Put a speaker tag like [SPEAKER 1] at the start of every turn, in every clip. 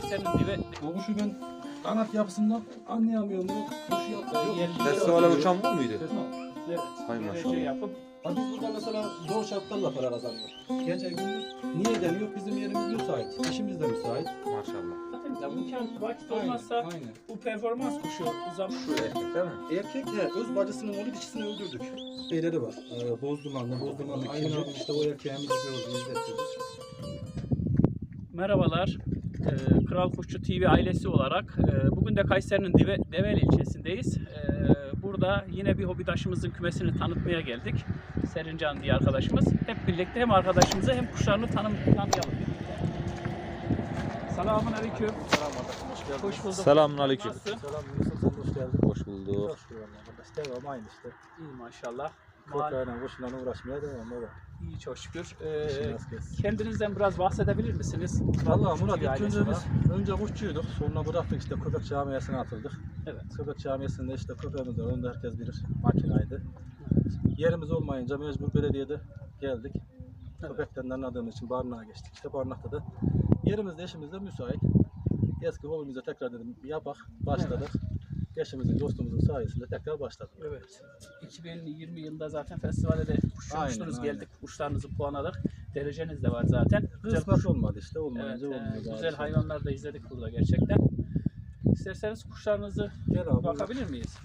[SPEAKER 1] Kayseri'nin dibe...
[SPEAKER 2] O kuşu ben kanat yapısından anlayamıyorum. Kuş yapıyor.
[SPEAKER 3] Festivale uçan bu muydu?
[SPEAKER 1] Evet.
[SPEAKER 3] Hay
[SPEAKER 1] Derece
[SPEAKER 3] maşallah.
[SPEAKER 1] yapıp
[SPEAKER 2] Biz burada mesela zor şartlarla para kazanıyoruz. Gece gündüz niye deniyor? Bizim yerimiz müsait. İşimiz de müsait.
[SPEAKER 3] Maşallah.
[SPEAKER 1] zaten imkan vakit
[SPEAKER 2] Aynen,
[SPEAKER 1] olmazsa
[SPEAKER 2] aynen.
[SPEAKER 1] bu performans kuşu zaman
[SPEAKER 3] Şu erkek değil mi?
[SPEAKER 2] Erkek öz bacısının oğlu dişisini öldürdük. Şeyleri var. Bozdumanlı
[SPEAKER 3] Aynen.
[SPEAKER 2] ikinci işte o erkeğimizi gördü, izlettirdik.
[SPEAKER 1] Merhabalar. Kral Kuşçu TV ailesi olarak bugün de Kayseri'nin Develi ilçesindeyiz. Burada yine bir hobidaşımızın kümesini tanıtmaya geldik. Serincan diye arkadaşımız. Hep birlikte hem arkadaşımızı hem kuşlarını tanıyalım birlikte. Selamun aleyküm.
[SPEAKER 2] Hoş geldin.
[SPEAKER 1] Hoş bulduk.
[SPEAKER 3] Selamünaleyküm.
[SPEAKER 1] Nasılsın?
[SPEAKER 2] Selam Yusuf, sen hoş geldin.
[SPEAKER 3] Hoş bulduk.
[SPEAKER 2] Hoş bulduk arkadaş. Devam aynı işte.
[SPEAKER 1] İyi maşallah.
[SPEAKER 2] Kırkayla kuşla uğraşmaya devam baba.
[SPEAKER 1] İyi çok şükür.
[SPEAKER 2] İşin rast gelsin.
[SPEAKER 1] Kendinizden biraz bahsedebilir misiniz?
[SPEAKER 2] Valla
[SPEAKER 1] Kuşçu
[SPEAKER 2] Murat
[SPEAKER 1] TV
[SPEAKER 2] ilk
[SPEAKER 1] ailesi
[SPEAKER 2] önce
[SPEAKER 1] olarak.
[SPEAKER 2] biz önce kuşçuyduk. Sonra bıraktık işte köpek camiasına atıldık.
[SPEAKER 1] Evet.
[SPEAKER 2] Köpek camiasında işte köpeğimiz var. Onu da herkes bilir. Makinaydı. Yerimiz olmayınca mecbur belediyede geldik. Köpekten de anladığımız için barınağa geçtik. İşte barınakta da yerimiz de işimiz de müsait. Eski hobimize tekrar dedim yapak. Başladık. Eşimizin, dostumuzun sayesinde tekrar başladık.
[SPEAKER 1] Evet. 2020 yılında zaten festivale de kuşçumuştunuz,
[SPEAKER 2] Aynen,
[SPEAKER 1] geldik. Kuşlarınızı puanladık. Dereceniz de var zaten.
[SPEAKER 2] Kısmet olmadı işte.
[SPEAKER 1] Evet,
[SPEAKER 2] Olmayınca olmuyor.
[SPEAKER 1] güzel hayvanlar da izledik burada gerçekten. İsterseniz kuşlarınızı
[SPEAKER 2] Gel abi.
[SPEAKER 1] bakabilir miyiz?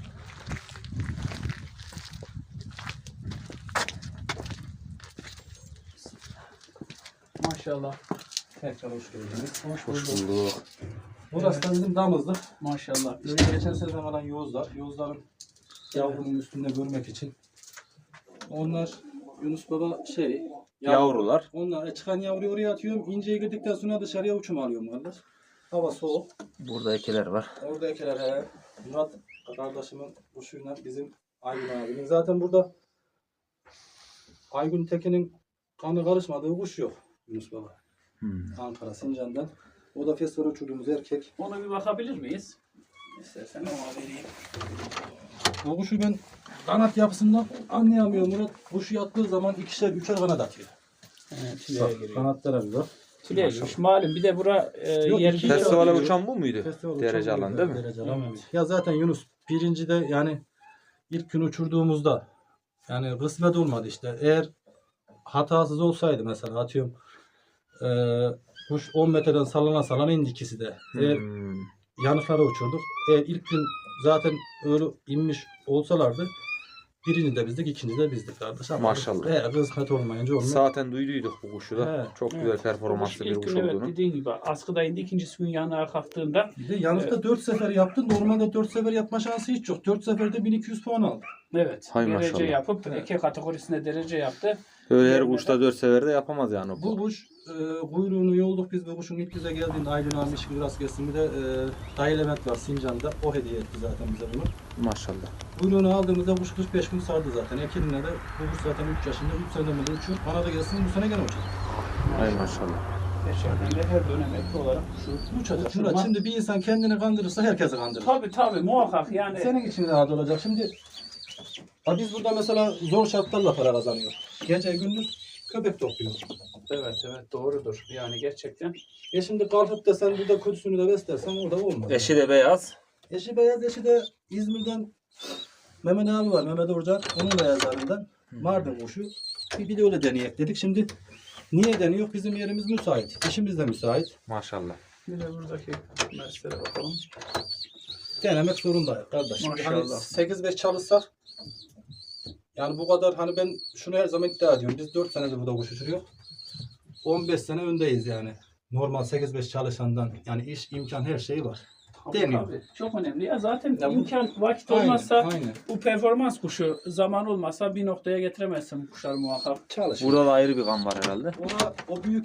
[SPEAKER 1] Maşallah.
[SPEAKER 2] Tekrar hoş geldiniz.
[SPEAKER 1] Hoş
[SPEAKER 3] Hoş bulduk.
[SPEAKER 2] Burası da bizim damızlık.
[SPEAKER 1] Maşallah.
[SPEAKER 2] Böyle geçen seneden kalan yozlar. Yozların yavrunun üstünde görmek için. Onlar Yunus Baba
[SPEAKER 3] Yavrular.
[SPEAKER 2] Onlar çıkan yavruyu oraya atıyorum. İnceye girdikten sonra dışarıya uçum alıyorum kardeş. Hava soğuk.
[SPEAKER 3] Burada ekeler var.
[SPEAKER 2] Orada ekeler Murat kardeşimin kuşuyla bizim Aygün abinin. Zaten burada Aygün Tekin'in kanı karışmadığı kuş yok Yunus Baba. Ankara, Sincan'dan. O da festival uçurduğumuz erkek.
[SPEAKER 1] Ona bir bakabilir miyiz? İstersen ona vereyim.
[SPEAKER 2] O kuşu ben kanat yapısından anlayamıyorum. Murat kuşu yattığı zaman ikişer, üçer kanat atıyor.
[SPEAKER 1] Tüleye giriyor.
[SPEAKER 2] Kanatlara bir bak.
[SPEAKER 1] Tüleye giriyor. Malum bir de bura
[SPEAKER 2] Yok,
[SPEAKER 1] yer
[SPEAKER 2] iki
[SPEAKER 3] Festivale
[SPEAKER 2] yavru-
[SPEAKER 3] uçan bu muydu?
[SPEAKER 2] Festival
[SPEAKER 3] Derece
[SPEAKER 2] uçurduğumuz
[SPEAKER 3] alan değil mi?
[SPEAKER 2] derece alan.
[SPEAKER 1] Evet.
[SPEAKER 2] Ya zaten Yunus birincide yani ilk gün uçurduğumuzda yani kısmet olmadı işte. Eğer hatasız olsaydı mesela atıyorum kuş 10 metreden sallana indi ikisi de. Eğer yanıklara uçurduk. Eğer ilk gün zaten öyle inmiş olsalardı birinci de bizdik, ikinci de bizdik kardeş. Ama
[SPEAKER 3] Maşallah.
[SPEAKER 2] kısmet olmayınca olmuyor.
[SPEAKER 3] Zaten duyduyduk bu kuşu da.
[SPEAKER 2] He,
[SPEAKER 3] Çok güzel performanslı bir
[SPEAKER 1] İlk
[SPEAKER 3] kuş
[SPEAKER 1] gün evet
[SPEAKER 3] olduğunu.
[SPEAKER 1] dediğin gibi askıda indi, ikincisi gün yanına kalktığında
[SPEAKER 2] Bir de yanıkta 4 sefer yaptı. Normalde 4 sefer yapma şansı hiç yok. 4 seferde 1200 puan aldı.
[SPEAKER 1] evet
[SPEAKER 3] Hay
[SPEAKER 1] derece
[SPEAKER 3] maşallah.
[SPEAKER 1] yapıp
[SPEAKER 2] Evet.
[SPEAKER 1] eke kategorisinde derece yaptı.
[SPEAKER 3] Öyle her
[SPEAKER 1] Yerine
[SPEAKER 3] kuşta 4 seferde yapamaz yani
[SPEAKER 2] Bu
[SPEAKER 3] bu.
[SPEAKER 2] kuş kuyruğunu yolduk biz bu kuşun ilk yüze geldiğinde Aydın abi işin rast gelsin. Bir de Dayı Levent var Sincan'da. O hediye etti zaten bize bunu.
[SPEAKER 3] Maşallah.
[SPEAKER 2] Kuyruğunu aldığımızda kuş 45 gün sardı zaten. Ekinine de bu kuş zaten 3 yaşında 3 seneden beri uçuyor. Bana da gelsin bu sene gene uçacak.
[SPEAKER 3] Hay maşallah.
[SPEAKER 1] Gerçekten de her dönem ekli olarak şu
[SPEAKER 2] Uçacak.
[SPEAKER 1] uçurma-
[SPEAKER 2] Murat, şimdi bir insan kendini kandırırsa herkesi kandırır.
[SPEAKER 1] Tabii muhakkak yani.
[SPEAKER 2] Senin için rahat olacak. Şimdi biz burada mesela zor şartlarla para kazanıyoruz. Gece gündüz köpek topluyoruz.
[SPEAKER 1] Evet doğrudur. Yani gerçekten.
[SPEAKER 2] Şimdi kalkıp da sen burada kötüsünü de beslersen o da olmaz.
[SPEAKER 3] Eşi de beyaz.
[SPEAKER 2] Eşi beyaz, eşi de İzmir'den Mehmet abi var. Mehmet Orcan. Onun beyazlarından. Mardin kuşu. Bir de öyle deneyek dedik. Şimdi niye deniyor? Bizim yerimiz müsait. İşimiz de müsait.
[SPEAKER 3] Maşallah.
[SPEAKER 1] Bir de buradaki meseleye bakalım.
[SPEAKER 2] Denemek zorundayız kardeş. Şimdi hani
[SPEAKER 1] Maşallah.
[SPEAKER 2] 8-5 çalışsak yani bu kadar hani ben şunu her zaman iddia ediyorum. Biz 4 senedir burada kuş uçuruyor. 15 sene öndeyiz yani. Normal 8-5 çalışandan yani iş, imkan her şeyi var. Deniyor.
[SPEAKER 1] Tabii, çok önemli. Ya zaten
[SPEAKER 2] Ya bu-
[SPEAKER 1] imkan vakit
[SPEAKER 2] Aynen,
[SPEAKER 1] olmazsa
[SPEAKER 2] aynen.
[SPEAKER 1] bu performans kuşu zaman olmazsa bir noktaya getiremezsin bu kuşlar muhakkak.
[SPEAKER 2] Çalışıyor.
[SPEAKER 3] Burada da ayrı bir kan var herhalde.
[SPEAKER 2] O büyük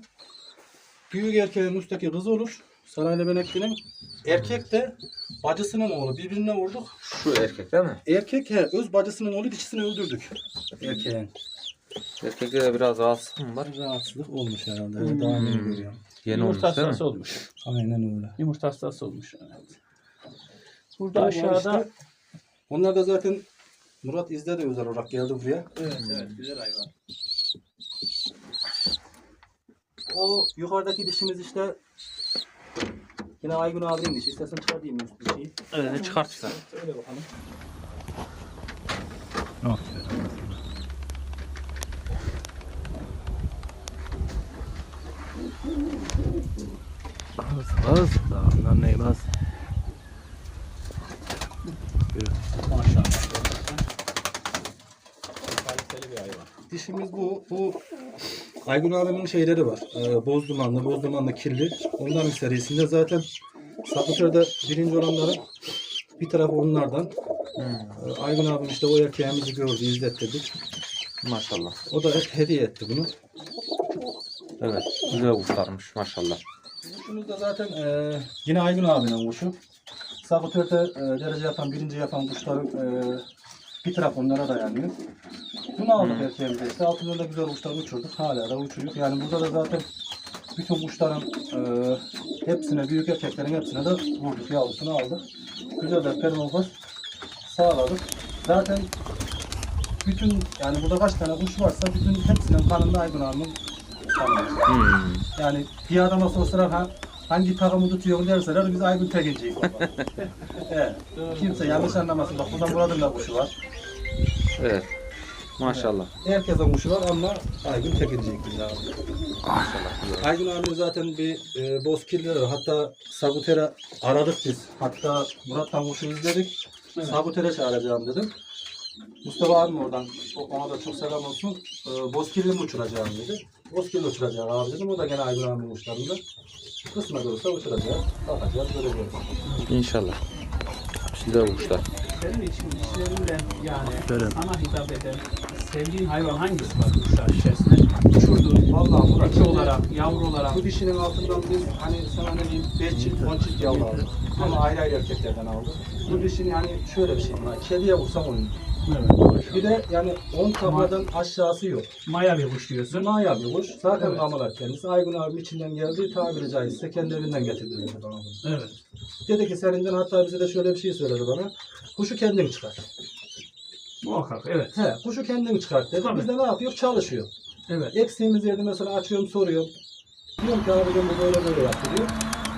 [SPEAKER 2] erkeğin üstteki kız olur. Sarayla Benekli'nin. Erkek de bacısının oğlu. Birbirine vurduk.
[SPEAKER 3] Şu erkek değil mi?
[SPEAKER 2] Erkek öz bacısının oğlu dişisini öldürdük. Erkeğin.
[SPEAKER 3] Erkekte de biraz rahatsızlık mı var?
[SPEAKER 2] Rahatsızlık olmuş herhalde.
[SPEAKER 1] Hmm.
[SPEAKER 2] Daha yeni görüyorum.
[SPEAKER 3] Yeni
[SPEAKER 1] Yumurta
[SPEAKER 3] olmuş değil mi?
[SPEAKER 1] hastası olmuş.
[SPEAKER 2] Aynen öyle.
[SPEAKER 1] Yumurta hastası olmuş. Evet. Burada
[SPEAKER 2] Bu
[SPEAKER 1] aşağıda
[SPEAKER 2] işte, onlar da zaten Murat İzde de özel olarak geldi buraya.
[SPEAKER 1] evet güzel hayvan.
[SPEAKER 2] O yukarıdaki dişimiz işte Yine Aygün abinin işi. İstersen çıkartayım üst bir şeyi.
[SPEAKER 3] Evet çıkartırsan.
[SPEAKER 2] Öyle bakalım.
[SPEAKER 4] Bas. Tamam ne bas.
[SPEAKER 1] Maşallah. Kaliteli bir hayvan.
[SPEAKER 2] Dişimiz bu. Bu Aygün abimin şeyleri var. Bozdumanlı, kirli. Onların serisinde zaten Sakıtör'de birinci olanların bir tarafı onlardan. Aygün abim işte o erkeğimizi gördü, izlettirdik.
[SPEAKER 3] Maşallah.
[SPEAKER 2] O da hediye etti bunu.
[SPEAKER 3] Evet. Güzel kuşlarmış maşallah.
[SPEAKER 2] Kuşumuz da zaten yine Aygün abinin kuşu. Sakıtör'de derece yapan, birinci yapan kuşların bir taraf onlara dayanıyor. Bunu aldık erkeğimize işte. Altında da güzel kuşlar uçurduk. Hala da uçuruyor. Yani burada da zaten bütün kuşların hepsine, büyük erkeklerin hepsine de vurduk. Yavrusunu aldık. Güzel de performans sağladık. Zaten bütün, yani burada kaç tane kuş varsa bütün hepsinin kanında Aygün abimin kanı var. Yani bir adama sorsalar hangi takımı tutuyor derseler biz Aygün Tekinci'yiz. Evet. Kimse yanlış anlamasın. Bak burada Murat'ın da kuşu var.
[SPEAKER 3] Evet. Maşallah.
[SPEAKER 2] Herkesin kuşu var ama Aygün Tekinci'yiz biz abi.
[SPEAKER 3] Maşallah.
[SPEAKER 2] Aygün abi zaten bir bozkirli var. Hatta Sabuter'e aradık biz. Hatta Murat'tan kuşu izledik.
[SPEAKER 1] Evet.
[SPEAKER 2] Sabuter'e çağıracağım dedim. Mustafa abim oradan, ona da çok selam olsun. Bozkirli mi uçuracağım dedi. Bozkirli uçuracağım abi dedim. O da gene Aygün abinin kuşlarında. Kısmet olursa uçuracağız. Bakacağız, göreceğiz.
[SPEAKER 3] İnşallah. Güzel kuşlar.
[SPEAKER 1] Senin için işlerinden yani
[SPEAKER 4] Şöyle.
[SPEAKER 1] sana hitap eden sevdiğin hayvan hangisi var kuşlar içerisinde? Uçurduğun
[SPEAKER 2] Vallahi Murat,
[SPEAKER 1] iki olarak, yavru olarak.
[SPEAKER 2] bu dişinin altından biz hani sana ne diyeyim 5 çift 10 çift yavru aldık. Ama ayrı ayrı erkeklerden aldık. Bu dişin yani şöyle bir şey var. Kediye vursam oyun.
[SPEAKER 1] Evet.
[SPEAKER 2] Bir de yani 10 takladan aşağısı yok.
[SPEAKER 1] Maya bir kuş diyorsun.
[SPEAKER 2] Maya bir kuş. Zaten
[SPEAKER 1] Evet.
[SPEAKER 2] kamalar kendisi. Aygün abim içinden geldi. Tabiri caizse kendi evinden getirdi dedi bana bunu.
[SPEAKER 1] Evet.
[SPEAKER 2] Dedi ki seninden, hatta bize de şöyle bir şey söyledi bana. Kuşu kendin çıkart.
[SPEAKER 1] Muhakkak evet.
[SPEAKER 2] He, kuşu kendin çıkart dedi.
[SPEAKER 1] Tabii.
[SPEAKER 2] Biz de ne yapıyor? Çalışıyor.
[SPEAKER 1] Evet.
[SPEAKER 2] Eksiğimiz yerde mesela açıyorum, soruyorum. Diyorum ki abi bu böyle yaptı diyor.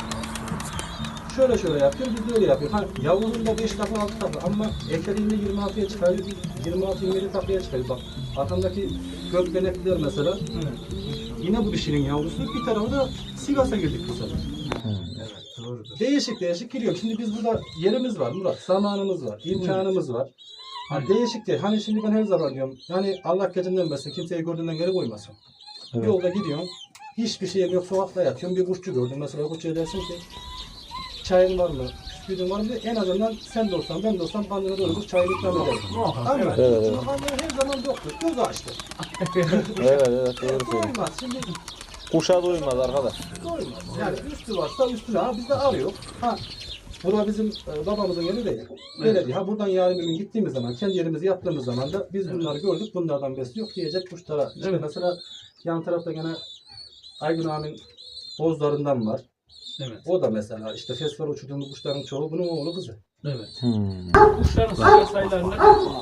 [SPEAKER 2] Şöyle yapıyor, biz de öyle yapıyor. Hani yavrunun da 5 takla 6 takla ama ekeriğinde 26'ya çıkarıyor, 26-27 taklaya çıkarıyor. Bak arkamdaki gökbenekliler mesela.
[SPEAKER 1] Evet.
[SPEAKER 2] Yine bu dişinin yavrusu, bir tarafı da Sivas'a girdik bu sefer.
[SPEAKER 1] Evet. Doğrudur.
[SPEAKER 2] Değişik giriyor. Şimdi biz burada yerimiz var Murat, zamanımız var, imkanımız var. Ha,
[SPEAKER 1] Evet.
[SPEAKER 2] değişik değil. Hani şimdi ben her zaman diyorum, yani Allah gecinden versin, kimseyi gördüğünden geri koymasın.
[SPEAKER 3] Evet.
[SPEAKER 2] Yolda gidiyorum, hiçbir şeyim yok, sokakta yatıyorum, bir kuşçu gördüm. Mesela kuşçuya dersin ki, çayın var mı, bisküvin var mı diye, en azından sen de olsan, ben de olsam pandına doğru çayını ikram ederim.
[SPEAKER 1] Muhakkak
[SPEAKER 2] Ama
[SPEAKER 1] evet.
[SPEAKER 3] Evet, evet.
[SPEAKER 2] pandına her zaman yoktur, göz açtı.
[SPEAKER 3] Evet doğru söylüyorsun.
[SPEAKER 2] Doymaz, şimdi
[SPEAKER 3] Kuşa doymaz arkadaş.
[SPEAKER 2] doymaz. Yani üstü varsa üstüne, ha biz de arıyor. Ha, bura bizim babamızın yeri değil. Belediye. Ha buradan yarın bir gün gittiğimiz zaman, kendi yerimizi yaptığımız zaman da biz bunları gördük, bunlardan besi yok diyecek kuşlara. İşte
[SPEAKER 1] Evet.
[SPEAKER 2] mesela yan tarafta gene Aygün abinin bozlarından var.
[SPEAKER 1] Evet.
[SPEAKER 2] O da mesela işte festival uçurduğumuz kuşların çoğu bunun oğlu kızı.
[SPEAKER 1] Evet.
[SPEAKER 3] Hmm.
[SPEAKER 1] Kuşların sıra sayılarını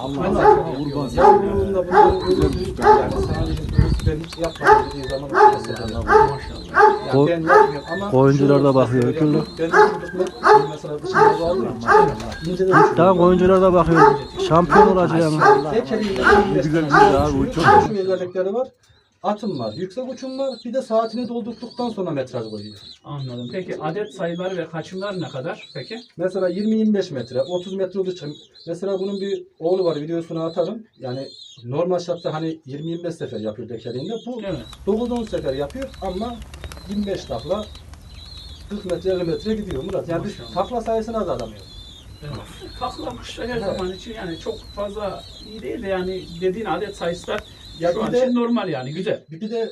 [SPEAKER 2] Yavruğunda bunların öldürdüğü, yani sadece ben hiç yapmadım dediği zaman mesela.
[SPEAKER 1] maşallah.
[SPEAKER 2] Yani ben yapmıyorum ama
[SPEAKER 4] Oyuncular da
[SPEAKER 2] şu
[SPEAKER 4] bakıyor,
[SPEAKER 2] mesela
[SPEAKER 4] türlü.
[SPEAKER 2] Ben uçurdum mesela dışarıda aldığım için inceden uçurdum.
[SPEAKER 4] Daha oyuncular da bakıyor. Şampiyon olacağım.
[SPEAKER 2] Tek elinde
[SPEAKER 4] güzel bir şey abi, bu çok
[SPEAKER 2] şu özellikleri var. Atım var, yüksek uçum var. Bir de saatini doldurduktan sonra metraj koyuyor.
[SPEAKER 1] Anladım. Peki adet sayıları ve kaçımlar ne kadar peki?
[SPEAKER 2] Mesela 20-25 metre, 30 metre olduğu için mesela bunun bir oğlu var, videosunu atarım. Yani normal şartta hani 20-25 sefer yapıyor dekeliğinde. Bu
[SPEAKER 1] Evet.
[SPEAKER 2] 9-10 sefer yapıyor ama 25 takla 40 metre 50 metre gidiyor Murat. Yani biz
[SPEAKER 1] Maşallah.
[SPEAKER 2] takla sayısını azaltamıyor.
[SPEAKER 1] Evet. Takla kuşlar her zaman için yani çok fazla iyi değil de yani dediğin adet sayısı da
[SPEAKER 2] Ya
[SPEAKER 1] şu
[SPEAKER 2] bir
[SPEAKER 1] an
[SPEAKER 2] de-
[SPEAKER 1] için normal yani güzel.
[SPEAKER 2] Bir de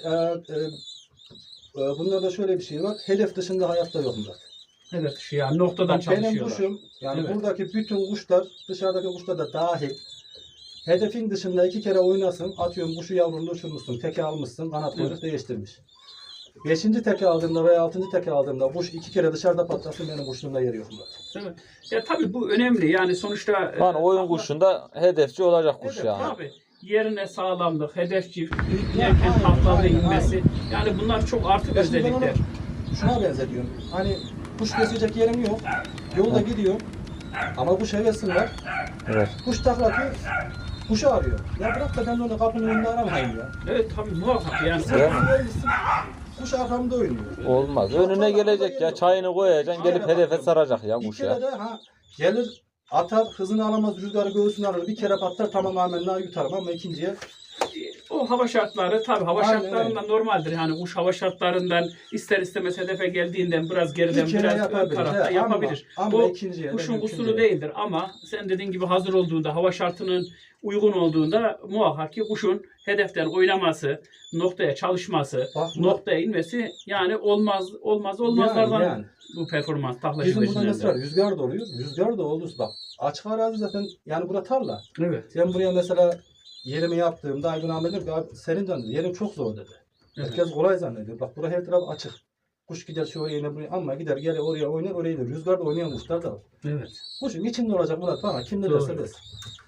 [SPEAKER 2] bunlarda şöyle bir şey var. Hedef dışında hayatta yok Murat.
[SPEAKER 1] Evet şu yani noktadan
[SPEAKER 2] Bak, benim
[SPEAKER 1] çalışıyorlar.
[SPEAKER 2] kuşum, yani
[SPEAKER 1] Evet.
[SPEAKER 2] buradaki bütün kuşlar, dışarıdaki kuşlar da dahil. Hedefin dışında 2 kere oynasın, atıyorum kuşu yavrunu uçurmuşsun, teke almışsın, kanat kuyruk değiştirmiş. 5. teke aldığımda veya 6. teke aldığımda kuş 2 kere dışarıda patlasın, benim kuşluğumda yeri yok Murat.
[SPEAKER 1] Evet. Ya tabii bu önemli yani sonuçta
[SPEAKER 3] Yani oyun kuşunda hedefçi olacak kuş
[SPEAKER 2] Evet,
[SPEAKER 3] yani.
[SPEAKER 1] Tabii yerine sağlamlık, hedefçi, inerken taklalı inmesi yani bunlar çok artık
[SPEAKER 2] Ya şimdi ben
[SPEAKER 1] özellikler.
[SPEAKER 2] onu şuna benzetiyorum. Hani kuş besleyecek yerim yok. Yolda gidiyor. Ama kuş hevesim var.
[SPEAKER 3] Evet.
[SPEAKER 2] Kuş taklatıyor. Kuşu arıyor. Ya bırak da ben onu kapının önünde aramayayım ya.
[SPEAKER 1] Evet tabii muhakkak yani.
[SPEAKER 3] Evet.
[SPEAKER 2] Kuş arkamda oynuyor.
[SPEAKER 3] Olmaz. Önüne gelecek ya, çayını koyacaksın, gelip hedefe saracak ya
[SPEAKER 2] Bir
[SPEAKER 3] kuş
[SPEAKER 2] kere
[SPEAKER 3] ya.
[SPEAKER 2] de gelir atar, hızını alamaz, rüzgarı göğsünü alır. Bir kere patlar, tamam amenna yutarım ama ikinciye
[SPEAKER 1] O hava şartları tabii hava
[SPEAKER 2] Aynen
[SPEAKER 1] şartlarından normaldir. Yani kuş hava şartlarından ister istemez hedefe geldiğinden biraz geriden
[SPEAKER 2] Bir kere
[SPEAKER 1] biraz ön
[SPEAKER 2] yapabilir,
[SPEAKER 1] tarafta
[SPEAKER 2] he,
[SPEAKER 1] yapabilir.
[SPEAKER 2] ama
[SPEAKER 1] Bu
[SPEAKER 2] ikinciye de
[SPEAKER 1] kuşun
[SPEAKER 2] mümkün
[SPEAKER 1] kusuru
[SPEAKER 2] değil.
[SPEAKER 1] değildir ama sen dediğin gibi hazır olduğunda hava şartının uygun olduğunda muhakkak ki kuşun hedeften oynaması, noktaya çalışması,
[SPEAKER 2] Bak,
[SPEAKER 1] noktaya inmesi yani olmazlardan
[SPEAKER 2] yani.
[SPEAKER 1] bu performans taklacı
[SPEAKER 2] Bizim burada mesela
[SPEAKER 1] beşlerinde.
[SPEAKER 2] rüzgar da oluyor. Rüzgar da olursa bak açık arazi zaten yani bura tarla.
[SPEAKER 1] Evet.
[SPEAKER 2] Ben buraya mesela yerimi yaptığımda Aydın Ahmet dedi ki "Abi, senin canın yerim çok zor dedi.
[SPEAKER 1] Evet.
[SPEAKER 2] Herkes kolay zannediyor. Bak bura her taraf açık. Kuş gider şu oraya iner buraya ama gider geri oraya oynar oraya gider. Rüzgarda oynayan kuşlar da var.
[SPEAKER 1] Evet.
[SPEAKER 2] Kuşun içinde olacak Murat bana kim ne derse
[SPEAKER 1] Doğru.
[SPEAKER 2] desin.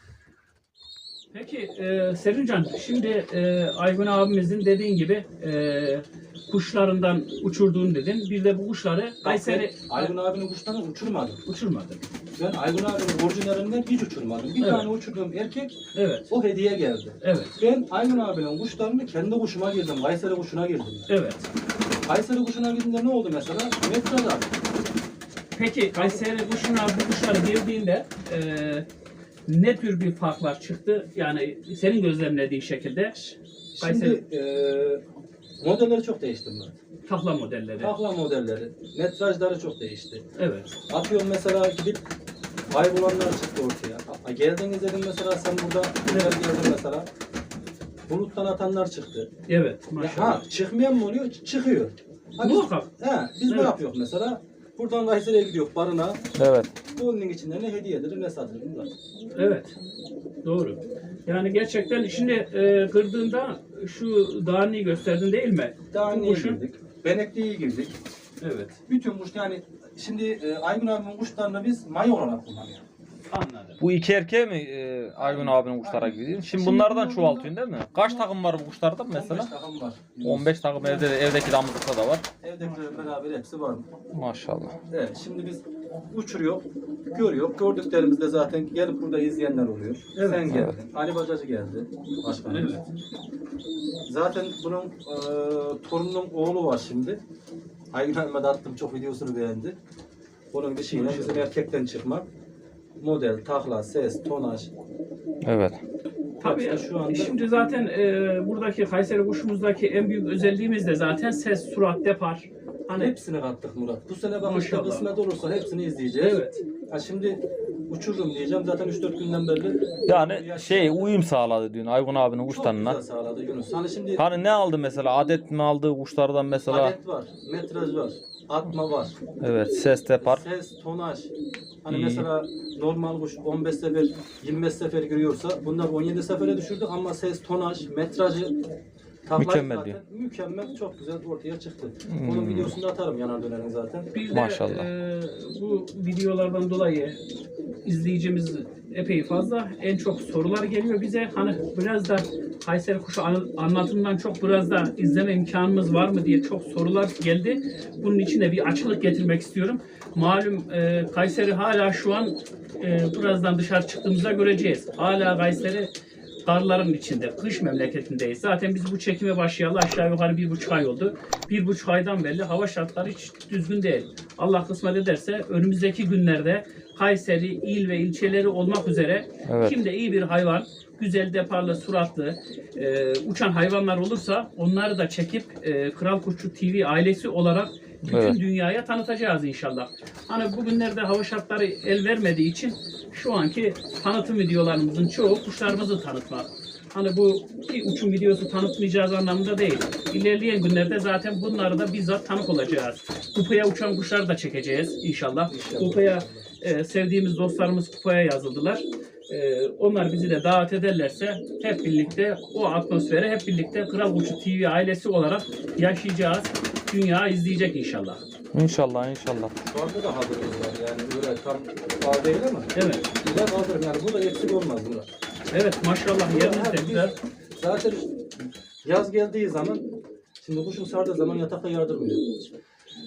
[SPEAKER 1] Peki Serincan, şimdi Aygun abimizin dediğin gibi kuşlarından uçurduğunu dedin. Bir de bu kuşları Kayseri
[SPEAKER 2] Aydın abinin kuşlarını uçurmadım.
[SPEAKER 1] uçurmadı.
[SPEAKER 2] Ben Aydın abinin orijinalinden hiç uçurmadım. Bir
[SPEAKER 1] Evet.
[SPEAKER 2] tane uçurduğum erkek
[SPEAKER 1] Evet,
[SPEAKER 2] o hediye geldi.
[SPEAKER 1] evet,
[SPEAKER 2] Ben Aydın abinin kuşlarını kendi kuşuma girdim. Kayseri kuşuna girdim.
[SPEAKER 1] evet.
[SPEAKER 2] Kayseri kuşuna girdiğimde ne oldu mesela? Metraj abi.
[SPEAKER 1] Peki Kayseri kuşuna bu kuşları girdiğinde ne tür bir farklar çıktı? Yani senin gözlemlediğin şekilde Kayseri
[SPEAKER 2] Şimdi modelleri çok değişti Murat.
[SPEAKER 1] takla modelleri.
[SPEAKER 2] Takla modelleri, metrajları çok değişti.
[SPEAKER 1] Evet,
[SPEAKER 2] Atıyorum mesela gidip kaybolanlar çıktı ortaya. Geldiniz dedim mesela sen burada güzel geldin mesela. Buluttan atanlar çıktı.
[SPEAKER 1] evet.
[SPEAKER 2] Ya,
[SPEAKER 1] Maşallah.
[SPEAKER 2] çıkmayan mı oluyor? Çıkıyor. Ha,
[SPEAKER 1] Muhakkak.
[SPEAKER 2] biz
[SPEAKER 1] Evet.
[SPEAKER 2] ne yapıyoruz mesela? Buradan Kayseri'ye gidiyor barına.
[SPEAKER 3] Evet.
[SPEAKER 2] Bunun içinde ne hediye edilir ne satılır. Murat.
[SPEAKER 1] Evet. Doğru. Yani gerçekten şimdi kırdığında şu dağını gösterdin değil mi?
[SPEAKER 2] Daha
[SPEAKER 1] Bu
[SPEAKER 2] niye
[SPEAKER 1] kuşun-
[SPEAKER 2] girdik? Benekli'ye girdik.
[SPEAKER 1] Evet.
[SPEAKER 2] Bütün kuş yani şimdi Aygün abinin kuşlarını biz may olarak kullanıyoruz.
[SPEAKER 1] Anladım.
[SPEAKER 3] Bu iki erkeğe mi Aygun abinin kuşlara gidiyor? Şimdi bunlardan çoğaltıyorsun değil mi? Kaç takım var bu kuşlarda
[SPEAKER 2] 15
[SPEAKER 3] mesela?
[SPEAKER 2] takım var.
[SPEAKER 3] 15 takım evdeki damızlıkta da var.
[SPEAKER 2] Evdekiler beraber hepsi var.
[SPEAKER 3] Maşallah.
[SPEAKER 2] Evet şimdi biz uçuruyor, görüyor. Gördüklerimizde zaten gelip burada izleyenler oluyor.
[SPEAKER 1] Evet.
[SPEAKER 2] Sen geldin.
[SPEAKER 3] Evet.
[SPEAKER 2] Ali Bacacı geldi. Başkanımız.
[SPEAKER 1] Evet.
[SPEAKER 2] Zaten bunun torununun oğlu var şimdi. Aygün Ahmet'e attım çok videosunu beğendi. Onun dışıyla bizim erkekten çıkma. Model, takla, ses, tonaj.
[SPEAKER 3] Evet.
[SPEAKER 1] Tabii
[SPEAKER 2] Hepsi şu anda
[SPEAKER 1] şimdi zaten buradaki Kayseri kuşumuzdaki en büyük özelliğimiz de zaten ses, surat, depar. Hani
[SPEAKER 2] hepsini kattık Murat. Bu sene bak işte
[SPEAKER 1] Maşallah.
[SPEAKER 2] kısmet olursa hepsini izleyeceğiz.
[SPEAKER 1] evet.
[SPEAKER 2] Ha şimdi uçururum diyeceğim. Zaten 3-4 günden beri.
[SPEAKER 3] Yani uyum sağladı diyorsun Aygun abinin
[SPEAKER 2] Çok
[SPEAKER 3] kuşlarına.
[SPEAKER 2] güzel sağladı Yunus. Hani şimdi
[SPEAKER 3] Hani ne aldı mesela? Adet mi aldı kuşlardan mesela?
[SPEAKER 2] adet var, metraj var, atma var,
[SPEAKER 3] Evet, ses depar.
[SPEAKER 2] ses, tonaj. Hani
[SPEAKER 3] İyi.
[SPEAKER 2] mesela normal kuş 15 sefer, 25 sefer giriyorsa bunlar 17 sefere düşürdü ama ses, tonaj, metrajı taklayı
[SPEAKER 3] Mükemmel
[SPEAKER 2] zaten
[SPEAKER 3] diyor.
[SPEAKER 2] mükemmel, çok güzel ortaya çıktı. Onun videosunu da atarım yanar dönerin zaten.
[SPEAKER 1] Bir de
[SPEAKER 3] Maşallah.
[SPEAKER 1] Bu videolardan dolayı izleyicimiz epey fazla. En çok sorular geliyor bize. Hani biraz da Kayseri kuşu anlatımından çok biraz da izleme imkanımız var mı diye çok sorular geldi. Bunun için de bir açıklık getirmek istiyorum. Malum Kayseri hala şu an birazdan dışarı çıktığımızda göreceğiz. Hala Kayseri karların içinde, kış memleketindeyiz. Zaten biz bu çekime başlayalı aşağı yukarı 1,5 ay oldu. 1,5 aydan beri hava şartları hiç düzgün değil. Allah kısmet ederse önümüzdeki günlerde Kayseri il ve ilçeleri olmak üzere
[SPEAKER 3] Evet.
[SPEAKER 1] kimde iyi bir hayvan, güzel deparlı, suratlı, uçan hayvanlar olursa onları da çekip Kral Kuşçu TV ailesi olarak bütün
[SPEAKER 3] Evet.
[SPEAKER 1] dünyaya tanıtacağız inşallah. Hani bugünlerde hava şartları el vermediği için şu anki tanıtım videolarımızın çoğu kuşlarımızı tanıtmak. Hani bu bir uçum videosu tanıtmayacağız anlamında değil. İlerleyen günlerde zaten bunları da bizzat tanık olacağız. Kupaya uçan kuşları da çekeceğiz inşallah. Kupaya sevdiğimiz dostlarımız kupaya yazıldılar. Onlar bizi de davet ederlerse hep birlikte o atmosfere hep birlikte Kral Kuşçu TV ailesi olarak yaşayacağız. Dünya izleyecek inşallah.
[SPEAKER 3] İnşallah inşallah.
[SPEAKER 2] Şu anda da hazırlığımız var yani böyle tam fazla değil ama
[SPEAKER 1] Evet.
[SPEAKER 2] güzel hazırım yani bu da eksik olmaz Murat.
[SPEAKER 1] Evet maşallah yeriniz de
[SPEAKER 2] Biz
[SPEAKER 1] güzel.
[SPEAKER 2] Zaten yaz geldiği zaman şimdi kuşun sardığı zaman yatakta yardırmıyor.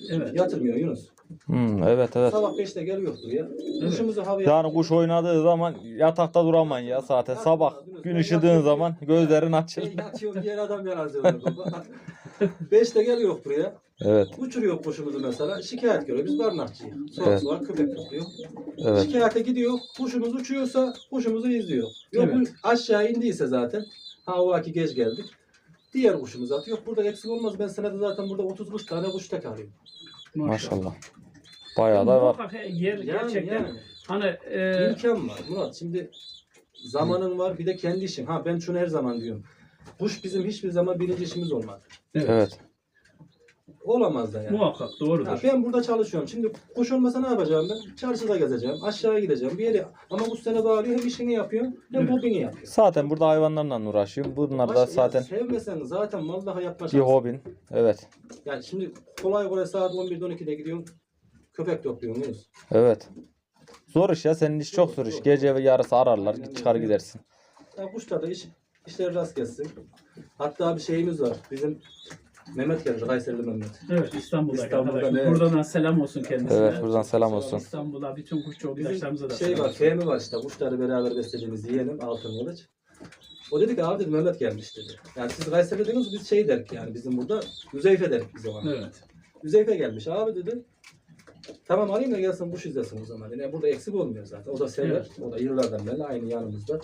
[SPEAKER 1] Evet.
[SPEAKER 2] Yatırmıyor Yunus.
[SPEAKER 3] Evet evet.
[SPEAKER 2] Sabah 5'te geliyor buraya. Kuşumuzu havaya...
[SPEAKER 3] Yani kuş oynadığı zaman yatakta duramam ya zaten. Sabah gün ışıdığın zaman gözlerin açılır.
[SPEAKER 2] Yatıyorum diğer adam yarazıyor baba. 5'te geliyor buraya.
[SPEAKER 3] Evet.
[SPEAKER 2] Uçuruyor kuşumuzu mesela. Şikayet görüyor. Biz barınakçıyız.
[SPEAKER 3] Evet.
[SPEAKER 2] Sonra köpek topluyor.
[SPEAKER 3] Evet.
[SPEAKER 2] Şikayete gidiyor. Kuşumuz uçuyorsa kuşumuzu izliyor. Yok
[SPEAKER 1] Evet.
[SPEAKER 2] aşağı indiyse zaten. Ha o vaki geç geldik. Diğer kuşumuzu atıyor. Burada eksik olmaz. Ben senede zaten burada 30-40 tane kuş tek alıyorum.
[SPEAKER 3] Maşallah. Bayağı da var.
[SPEAKER 1] Muhakkak yer gerçekten hani
[SPEAKER 2] İmkan var Murat. Şimdi zamanın var bir de kendi işin. Ha ben şunu her zaman diyorum. Kuş bizim hiçbir zaman birinci işimiz olmadı.
[SPEAKER 3] Evet.
[SPEAKER 2] Olamaz da yani.
[SPEAKER 1] muhakkak doğrudur.
[SPEAKER 2] Ha, ben burada çalışıyorum. Şimdi kuş olmasa ne yapacağım ben? Çarşıda gezeceğim. Aşağıya gideceğim. Bir yere. Ama kuş seni bağırıyor. Hem işini yapıyor hem
[SPEAKER 1] Evet.
[SPEAKER 2] hobini yapıyor.
[SPEAKER 3] Zaten burada hayvanlarla uğraşıyorum. Bunlar da
[SPEAKER 2] Başka-
[SPEAKER 3] zaten
[SPEAKER 2] ya sevmesen zaten vallahi
[SPEAKER 3] bir
[SPEAKER 2] yaklaşamazsın.
[SPEAKER 3] hobin. Evet.
[SPEAKER 2] Yani şimdi kolay kolay saat 11'de 12'de gidiyorsun. Köpek topluyorsun Yunus.
[SPEAKER 3] Evet. Zor iş ya. Senin iş çok zor iş. Gece ve yarısı ararlar. Çıkar gidersin.
[SPEAKER 2] Ya kuşlar da işler rast gelsin. Hatta bir şeyimiz var. Bizim Mehmet geldi. Kayseri'li Mehmet.
[SPEAKER 1] Evet İstanbul'daki
[SPEAKER 2] İstanbul'da,
[SPEAKER 1] arkadaşım.
[SPEAKER 2] evet.
[SPEAKER 1] Buradan da selam olsun kendisine.
[SPEAKER 3] Evet. Buradan selam olsun.
[SPEAKER 1] İstanbul'a bütün kuşçu arkadaşlarımıza da
[SPEAKER 2] Bizim
[SPEAKER 1] selam
[SPEAKER 2] şey var,
[SPEAKER 1] olsun.
[SPEAKER 2] Fehmi var işte. Kuşları beraber beslediğimiz yeğenim Altın Kılıç. O dedi ki abi dedi Mehmet gelmiş dedi. Yani siz Kayseri dediniz biz şey derik yani bizim burada Üzeyfe derik biz o zaman.
[SPEAKER 1] Evet.
[SPEAKER 2] Üzeyfe gelmiş abi dedi. Tamam arayayım da gelsin kuş izlesin o zaman. Yani burada eksik olmuyor zaten. O da sever.
[SPEAKER 1] Evet.
[SPEAKER 2] O da yıllardan beri aynı yanımızda.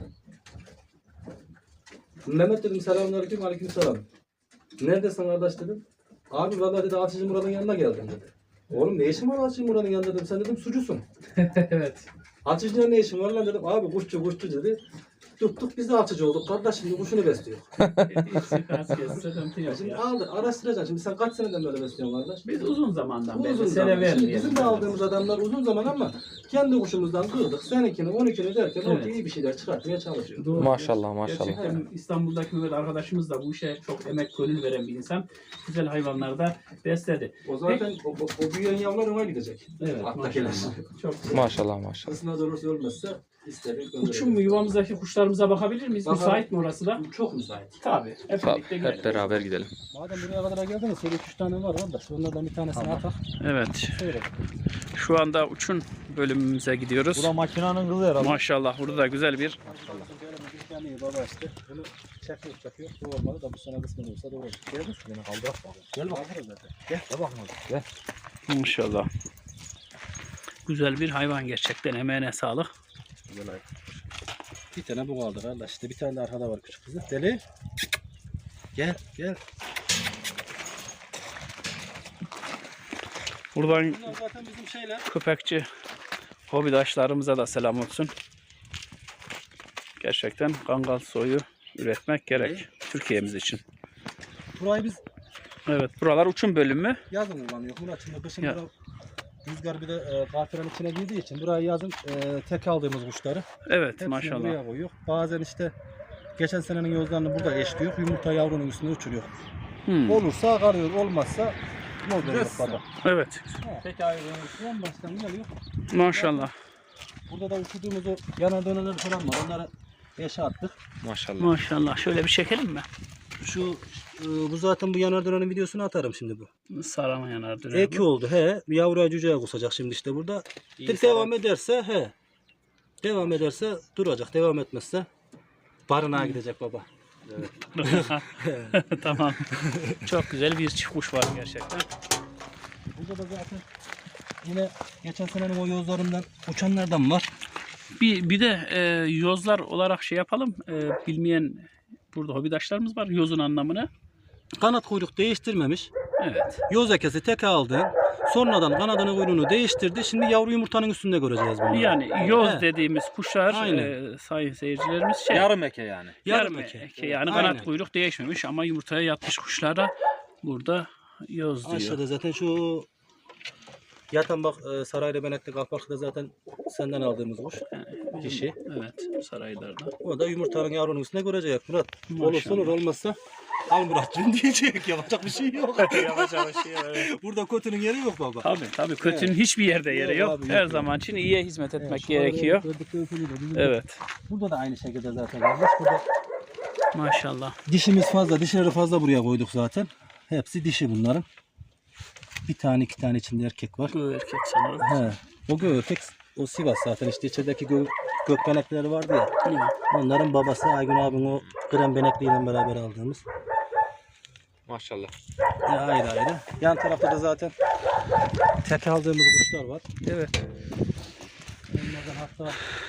[SPEAKER 2] Mehmet dedim selamünaleyküm aleykümselam. Neredesin kardeş dedim. Abi vallahi dedi Atıcı Murat'ın yanına geldim dedi. Oğlum ne işin var Atıcı Murat'ın yanında dedim. Sen dedim sucusun.
[SPEAKER 1] Evet.
[SPEAKER 2] Açıcı'ya ne işin var lan dedim. Abi kuşçu dedi. Tuttuk biz de açıcı olduk. Kardeş şimdi kuşunu besliyor.
[SPEAKER 1] Sıkıntı yok
[SPEAKER 2] Şimdi
[SPEAKER 1] ya.
[SPEAKER 2] aldık araştıracaksın. Şimdi sen kaç seneden böyle besliyorsun kardeş?
[SPEAKER 1] Biz uzun zamandan
[SPEAKER 2] Bu
[SPEAKER 1] beri
[SPEAKER 2] uzun
[SPEAKER 1] sene
[SPEAKER 2] zaman. Şimdi
[SPEAKER 1] vermeyelim.
[SPEAKER 2] bizim de aldığımız adamlar uzun zaman ama kendi kuşumuzdan kırdık. Seninkini 12'ni derken
[SPEAKER 1] Evet.
[SPEAKER 2] ortaya iyi bir şeyler çıkartmaya çalışıyor.
[SPEAKER 1] Doğru.
[SPEAKER 3] Maşallah maşallah.
[SPEAKER 1] Gerçekten İstanbul'daki Mehmet arkadaşımız da bu işe çok emek gönül veren bir insan. Güzel hayvanlar da besledi.
[SPEAKER 2] O zaten o büyüyen yavrular ona gidecek.
[SPEAKER 1] Evet
[SPEAKER 2] Attakiler.
[SPEAKER 1] maşallah. Çok güzel.
[SPEAKER 3] Maşallah maşallah.
[SPEAKER 2] Kısına olursa ölmezse isterim.
[SPEAKER 1] Uçum mu yuvamızdaki kuşlarımıza bakabilir miyiz?
[SPEAKER 2] Bakalım.
[SPEAKER 1] Müsait mi orası da?
[SPEAKER 2] Çok müsait.
[SPEAKER 1] Tabii. Hep
[SPEAKER 3] Tabii,
[SPEAKER 1] birlikte gidelim.
[SPEAKER 3] hep beraber gidelim.
[SPEAKER 2] Madem buraya kadar geldiniz, şöyle 3 tane var kardeş. Onlardan bir tanesini atak.
[SPEAKER 1] Evet.
[SPEAKER 2] Seyret.
[SPEAKER 1] Şu anda uçun bölümümüze gidiyoruz.
[SPEAKER 3] Bu da makinenin kızı herhalde.
[SPEAKER 1] Maşallah burada da güzel bir
[SPEAKER 2] Bir tane iyi baba işte. Bunu çakıyor. Bu olmalı da bu sene kısmı olursa doğru. Gel bak. Beni kaldırak bak. Gel bak. Gel. Gel bakma. Gel.
[SPEAKER 1] maşallah. Güzel bir hayvan gerçekten. Emeğine sağlık.
[SPEAKER 2] Güzel hayvan. Bir tane bu kaldı kardeş. İşte bir tane de arkada var küçük kızı. Deli. Gel. Gel.
[SPEAKER 1] Buradan
[SPEAKER 2] Bunlar zaten bizim şeyler.
[SPEAKER 1] köpekçi hobidaşlarımıza da selam olsun. Gerçekten kangal soyu üretmek gerek Türkiye'miz için.
[SPEAKER 2] Burayı biz
[SPEAKER 1] Evet, buralar uçum bölümü.
[SPEAKER 2] yazın kullanıyor. Murat şimdi kışın
[SPEAKER 1] Ya.
[SPEAKER 2] bura rüzgar bir de kafiranın içine girdiği için burayı yazın tek aldığımız kuşları.
[SPEAKER 1] Evet,
[SPEAKER 2] Hepsini
[SPEAKER 1] maşallah.
[SPEAKER 2] buraya koyuyor. Bazen işte geçen senenin yozlarını burada eşliyor. Yumurta yavrunun üstüne uçuruyor.
[SPEAKER 1] Hmm,
[SPEAKER 2] Olursa kalıyor, olmazsa ne oluyor baba?
[SPEAKER 1] Evet,
[SPEAKER 2] Peki ayrılığın üstüne baştan geliyor.
[SPEAKER 1] maşallah.
[SPEAKER 2] Burada da uçurduğumuz o yanar döneler falan var. Onları eşe attık.
[SPEAKER 3] Maşallah.
[SPEAKER 1] Maşallah. Şöyle bir çekelim mi?
[SPEAKER 2] Bu zaten bu yanar dönenin videosunu atarım şimdi bu.
[SPEAKER 1] Sarama yanar döner.
[SPEAKER 2] Eki oldu he. Bir yavruya cüceye kusacak şimdi işte burada. Devam ederse he. Devam ederse duracak. Devam etmezse barınağa gidecek baba.
[SPEAKER 1] Tamam. Çok güzel bir çift kuş var gerçekten.
[SPEAKER 2] Burada da zaten yine geçen senenin o yozlarından uçanlardan var.
[SPEAKER 1] Bir de yozlar olarak şey yapalım. Bilmeyen burada hobidaşlarımız var. Yozun anlamını.
[SPEAKER 2] Kanat kuyruk değiştirmemiş.
[SPEAKER 1] Evet.
[SPEAKER 2] Yoz ekesi tek aldı. Sonradan kanadını kuyruğunu değiştirdi. Şimdi yavru yumurtanın üstünde göreceğiz bunu.
[SPEAKER 1] Yani yoz
[SPEAKER 2] He.
[SPEAKER 1] dediğimiz kuşlar
[SPEAKER 2] Aynen.
[SPEAKER 1] sayın seyircilerimiz şey.
[SPEAKER 3] Yarım eke yani.
[SPEAKER 1] Yarım eke. Yani
[SPEAKER 2] Aynen.
[SPEAKER 1] kanat kuyruk değişmemiş ama yumurtaya yatmış kuşlara burada yoz diyor.
[SPEAKER 2] Aşağıda zaten şu yatan bak sarayla benekli kalpakta zaten senden aldığımız kuş. Dişi.
[SPEAKER 1] Evet, saraylarda.
[SPEAKER 2] O da yumurtanın yavrunun üstüne görecek Murat.
[SPEAKER 1] Maşallah.
[SPEAKER 2] Olursa olur olmazsa al Murat'cığım diyecek. Yapacak bir şey yok.
[SPEAKER 1] Yapacak bir şey yok.
[SPEAKER 2] Burada kötünün yeri yok baba.
[SPEAKER 1] Tabii kötünün hiçbir yerde yeri
[SPEAKER 2] Yok
[SPEAKER 1] yok.
[SPEAKER 2] abi,
[SPEAKER 1] Her
[SPEAKER 2] yok.
[SPEAKER 1] zaman için iyiye hizmet etmek
[SPEAKER 2] Evet,
[SPEAKER 1] gerekiyor.
[SPEAKER 2] Evet.
[SPEAKER 1] Evet.
[SPEAKER 2] Burada da aynı şekilde zaten kardeş. Burada
[SPEAKER 1] Maşallah.
[SPEAKER 2] dişimiz fazla. Dişleri fazla buraya koyduk zaten. Hepsi dişi bunların. bir tane iki tane içinde erkek var.
[SPEAKER 1] Bu erkek sanırım.
[SPEAKER 2] He. O göğerkek o Sivas zaten işte içerideki gökbenekleri vardı ya.
[SPEAKER 1] Hı.
[SPEAKER 2] Onların babası Aygün abim o krem benekliyle beraber aldığımız.
[SPEAKER 3] Maşallah.
[SPEAKER 2] Ayrı ayrı. Yan tarafta da zaten tek aldığımız kuşlar var.
[SPEAKER 1] Evet.
[SPEAKER 2] Onlardan hatta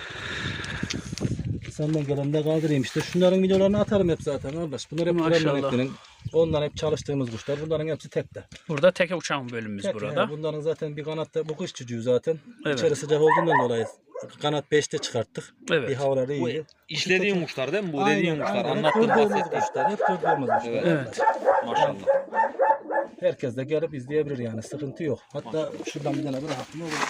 [SPEAKER 2] senden gelen de kaldırayım işte. Şunların videolarını atarım hep zaten kardeş. Bunlar hep krem
[SPEAKER 1] Maşallah.
[SPEAKER 2] benekli'nin. Onlar hep çalıştığımız kuşlar. Bunların hepsi tekte.
[SPEAKER 1] Burada teke uçan bölümümüz
[SPEAKER 2] Tek,
[SPEAKER 1] burada.
[SPEAKER 2] bunların zaten bir kanatta bu kış çocuğu zaten.
[SPEAKER 1] Evet.
[SPEAKER 2] İçeri sıcak olduğundan dolayı kanat 5'te çıkarttık.
[SPEAKER 1] Evet.
[SPEAKER 2] Bir havaları
[SPEAKER 3] Bu
[SPEAKER 2] iyi.
[SPEAKER 3] işlediğin kuşlar değil mi? Bu
[SPEAKER 2] Aynen,
[SPEAKER 3] dediğin kuşlar.
[SPEAKER 2] aynen. Hep
[SPEAKER 3] Anlattığın
[SPEAKER 2] gördüğümüz
[SPEAKER 3] bahsettiğin.
[SPEAKER 2] kuşlar. Hep gördüğümüz kuşlar.
[SPEAKER 3] Evet.
[SPEAKER 1] Evet.
[SPEAKER 3] Maşallah.
[SPEAKER 2] Herkes de gelip izleyebilir yani. Sıkıntı yok. Hatta şuradan bir tane bırakın olur.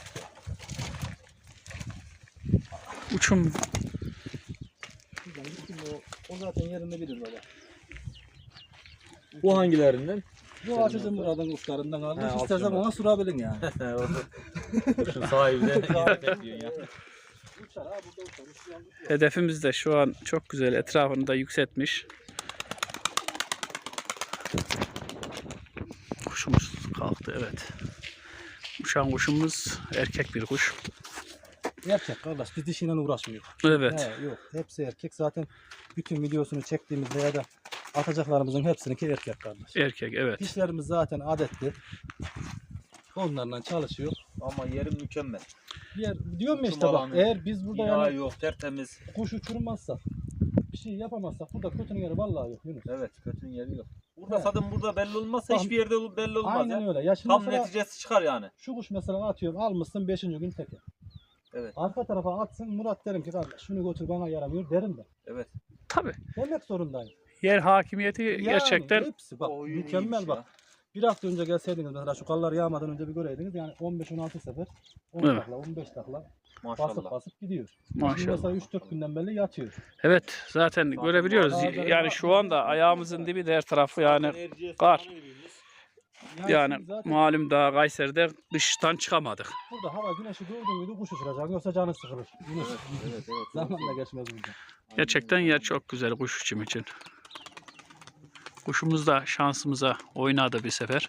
[SPEAKER 1] Uçum
[SPEAKER 2] Şuradan gittim o zaten yerinde bilir baba.
[SPEAKER 3] Bu hangilerinden?
[SPEAKER 2] Bu açıcım buradan kuşlarından almış.
[SPEAKER 3] He,
[SPEAKER 2] İstersen
[SPEAKER 3] alacağım
[SPEAKER 2] ona sürabilin yani.
[SPEAKER 3] Kuşun sahibi de bekliyorsun ya.
[SPEAKER 2] Uçar ha burada uçar.
[SPEAKER 1] hedefimiz de şu an çok güzel. Etrafını da yükseltmiş. Kuşumuz kalktı, evet. Uçan kuşumuz erkek bir kuş.
[SPEAKER 2] Erkek kardeş biz dişiyle uğraşmıyoruz.
[SPEAKER 1] Evet.
[SPEAKER 2] He, yok hepsi erkek. Zaten bütün videosunu çektiğimizde ya da atacaklarımızın hepsininki erkek kardeş.
[SPEAKER 1] Erkek, evet.
[SPEAKER 2] Dişlerimiz zaten adetli. Onlarla çalışıyor.
[SPEAKER 3] Ama yerim mükemmel.
[SPEAKER 2] Diyorum ya
[SPEAKER 3] Uçum
[SPEAKER 2] işte bak
[SPEAKER 3] alanı,
[SPEAKER 2] eğer biz burada
[SPEAKER 3] Bina
[SPEAKER 2] yani
[SPEAKER 3] yok, tertemiz.
[SPEAKER 2] kuş uçurmazsak bir şey yapamazsak burada kötünün yeri vallahi yok Yunus.
[SPEAKER 3] Evet, kötünün yeri yok. Burada
[SPEAKER 2] He.
[SPEAKER 3] zaten burada belli olmazsa
[SPEAKER 2] Tamam.
[SPEAKER 3] hiçbir yerde belli olmaz
[SPEAKER 2] Aynen
[SPEAKER 3] ya.
[SPEAKER 2] öyle. Ya şimdi
[SPEAKER 3] Tam
[SPEAKER 2] mesela
[SPEAKER 3] neticesi çıkar yani.
[SPEAKER 2] şu kuş mesela atıyorum almışsın 5. gün teke.
[SPEAKER 3] Evet.
[SPEAKER 2] Arka tarafa atsın Murat derim ki kardeş şunu götür bana yaramıyor derim de.
[SPEAKER 3] Evet.
[SPEAKER 1] Tabii.
[SPEAKER 2] Demek zorundayım.
[SPEAKER 1] Yer hakimiyeti
[SPEAKER 2] Yani
[SPEAKER 1] gerçekten
[SPEAKER 2] hepsi bak
[SPEAKER 3] O oyun
[SPEAKER 2] mükemmel
[SPEAKER 3] iyiymiş
[SPEAKER 2] bak.
[SPEAKER 3] ya.
[SPEAKER 2] Bir hafta önce gelseydiniz mesela şu kallar yağmadan önce bir göreydiniz yani 15-16 sefer 10
[SPEAKER 1] Evet.
[SPEAKER 2] takla 15 takla basıp
[SPEAKER 3] Maşallah.
[SPEAKER 2] basıp gidiyor. Şimdi
[SPEAKER 1] maşallah.
[SPEAKER 2] mesela 3-4 günden beri yatıyor.
[SPEAKER 1] Evet, zaten görebiliyoruz. Yani şu anda ayağımızın dibi de her tarafı yani kar. Yani
[SPEAKER 2] şimdi zaten
[SPEAKER 1] malum daha Kayseri'de kıştan çıkamadık.
[SPEAKER 2] burada hava güneşi gördüğün müydü kuş uçuracaksın yoksa canı sıkılır. Yunus.
[SPEAKER 3] Evet, evet.
[SPEAKER 2] Zaman da geçmez burada.
[SPEAKER 1] Gerçekten yer çok güzel kuş uçum için. Kuşumuz da şansımıza oynadı bir sefer.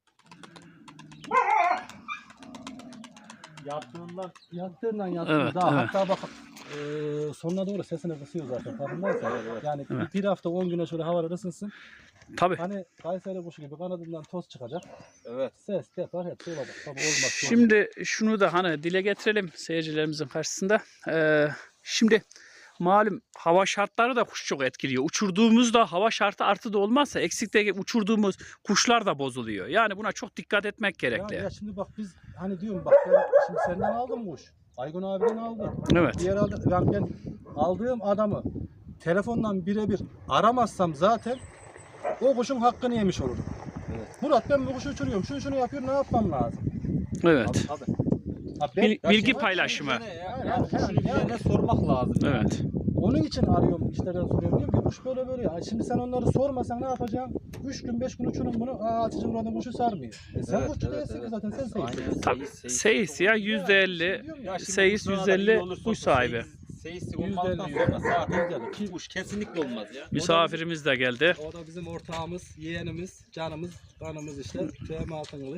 [SPEAKER 2] Yattığından
[SPEAKER 1] Evet,
[SPEAKER 2] daha
[SPEAKER 1] evet.
[SPEAKER 2] hatta bak sonuna doğru sesini kısıyor zaten farkındaysan. Yani
[SPEAKER 1] Evet.
[SPEAKER 2] bir hafta 10 güne şöyle havalar ısınsın.
[SPEAKER 1] Tabii.
[SPEAKER 2] Hani Kayseri kuşu gibi kanadından toz çıkacak.
[SPEAKER 3] Evet.
[SPEAKER 2] Ses, depar hepsi olacak. Tabii olmaz.
[SPEAKER 1] Şimdi şunu da hani dile getirelim seyircilerimizin karşısında. Şimdi malum hava şartları da kuş çok etkiliyor. Uçurduğumuzda hava şartı artı da olmazsa eksikte uçurduğumuz kuşlar da bozuluyor. Yani buna çok dikkat etmek gerekli.
[SPEAKER 2] Ya şimdi bak biz hani diyorum bak ben şimdi senden aldım kuş. Aygun abiden aldım.
[SPEAKER 1] Evet.
[SPEAKER 2] Diğer aldım. Yani ben aldığım adamı telefondan birebir aramazsam zaten o kuşun hakkını yemiş olurum.
[SPEAKER 3] Evet.
[SPEAKER 2] Murat ben bu kuşu uçuruyorum. Şunu yapıyorum ne yapmam lazım?
[SPEAKER 1] Evet.
[SPEAKER 3] Tabii.
[SPEAKER 2] Ha, ben-
[SPEAKER 1] Bilgi
[SPEAKER 3] şimdi
[SPEAKER 1] paylaşımı.
[SPEAKER 3] Yani kuşun üzerine sormak lazım.
[SPEAKER 1] Evet.
[SPEAKER 2] Onun için arıyorum işte ben soruyorum diyorum ki kuş böyle böyle ya. Şimdi sen onları sormasan ne yapacaksın? 3 gün 5 gün uçurun bunu. Atıcı Murat'ın kuşu sarmıyor. Sen
[SPEAKER 3] Evet,
[SPEAKER 2] kuşçu
[SPEAKER 3] evet,
[SPEAKER 2] değilsin ki
[SPEAKER 3] evet.
[SPEAKER 2] zaten sen seyircisin.
[SPEAKER 3] Aynen.
[SPEAKER 1] Tabii. Seyis ya %50. Seyis %50 kuş sahibi.
[SPEAKER 3] Seyislik olmadıktan sonra zaten
[SPEAKER 2] %50.
[SPEAKER 3] kuş kesinlikle olmaz ya.
[SPEAKER 1] Misafirimiz de geldi.
[SPEAKER 2] O da bizim ortağımız, yeğenimiz, canımız, kanımız işte. Fehmi Altınkılıç.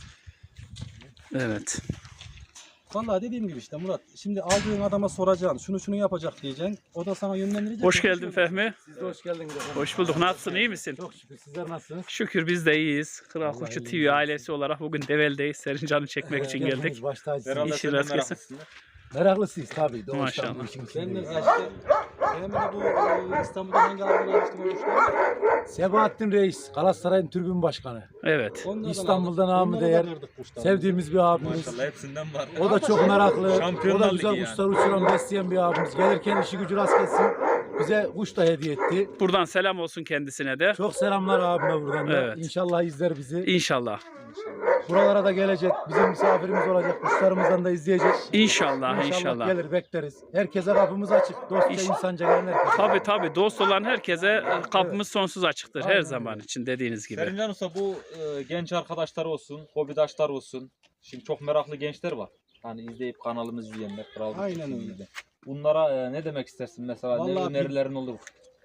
[SPEAKER 1] Evet.
[SPEAKER 2] Vallahi dediğim gibi işte Murat. Şimdi aldığın adama soracaksın. Şunu yapacak diyeceksin. O da sana yönlendirecek.
[SPEAKER 1] Hoş geldin Fehmi.
[SPEAKER 2] Siz de hoş geldiniz.
[SPEAKER 1] Hoş bulduk. Nasılsın? İyi misin?
[SPEAKER 2] Çok şükür. Sizler nasılsınız?
[SPEAKER 1] Şükür biz de iyiyiz. Kral
[SPEAKER 2] Vallahi
[SPEAKER 1] Kuşçu
[SPEAKER 2] iyiyiz.
[SPEAKER 1] TV ailesi olarak bugün Devel'deyiz. Serincan'ı çekmek için geldik.
[SPEAKER 2] Baş tacısınız.
[SPEAKER 3] Herhalde
[SPEAKER 1] İşi
[SPEAKER 3] sen de
[SPEAKER 1] rast gelsin.
[SPEAKER 3] meraklısın.
[SPEAKER 2] Meraklısıyız tabii. Doğuştan
[SPEAKER 1] Maşallah.
[SPEAKER 2] bu işin
[SPEAKER 3] Sen de
[SPEAKER 2] içindeyiz. Fehmi de bu İstanbul'da hangi adamını almıştın o kuşları?
[SPEAKER 5] Sebahattin Reis, Galatasaray'ın tribün başkanı.
[SPEAKER 1] Evet.
[SPEAKER 2] Onlardan
[SPEAKER 5] İstanbul'dan
[SPEAKER 2] aldık.
[SPEAKER 5] namı
[SPEAKER 2] Onları da
[SPEAKER 5] değer.
[SPEAKER 2] kırdık kuşları.
[SPEAKER 5] Sevdiğimiz bir abimiz.
[SPEAKER 3] Maşallah hepsinden var.
[SPEAKER 5] O da çok meraklı. O
[SPEAKER 3] Şampiyonlar
[SPEAKER 5] da güzel
[SPEAKER 3] Ligi
[SPEAKER 5] kuşlar uçuran, besleyen bir abimiz. Gelirken işi gücü rast gelsin. Bize kuş da hediye etti.
[SPEAKER 1] Buradan selam olsun kendisine de.
[SPEAKER 5] Çok selamlar abime buradan da.
[SPEAKER 1] Evet.
[SPEAKER 5] İnşallah izler bizi.
[SPEAKER 1] İnşallah.
[SPEAKER 5] Buralara da gelecek. Bizim misafirimiz olacak. Kuşlarımızdan da izleyecek.
[SPEAKER 1] İnşallah. İnşallah.
[SPEAKER 5] gelir bekleriz. Herkese kapımız açık. Dostça insanca gelen herkese.
[SPEAKER 1] Tabii dost olan herkese kapımız sonsuz açıktır her zaman için dediğiniz gibi.
[SPEAKER 3] Serincan Usta bu genç arkadaşlar olsun, hobidaşlar olsun. Şimdi çok meraklı gençler var. Hani izleyip kanalımızı izleyenler. Kral Kuşçu
[SPEAKER 2] Aynen öyle.
[SPEAKER 3] TV'de. Bunlara ne demek istersin mesela? Ne
[SPEAKER 2] Vallahi
[SPEAKER 3] önerilerin olur?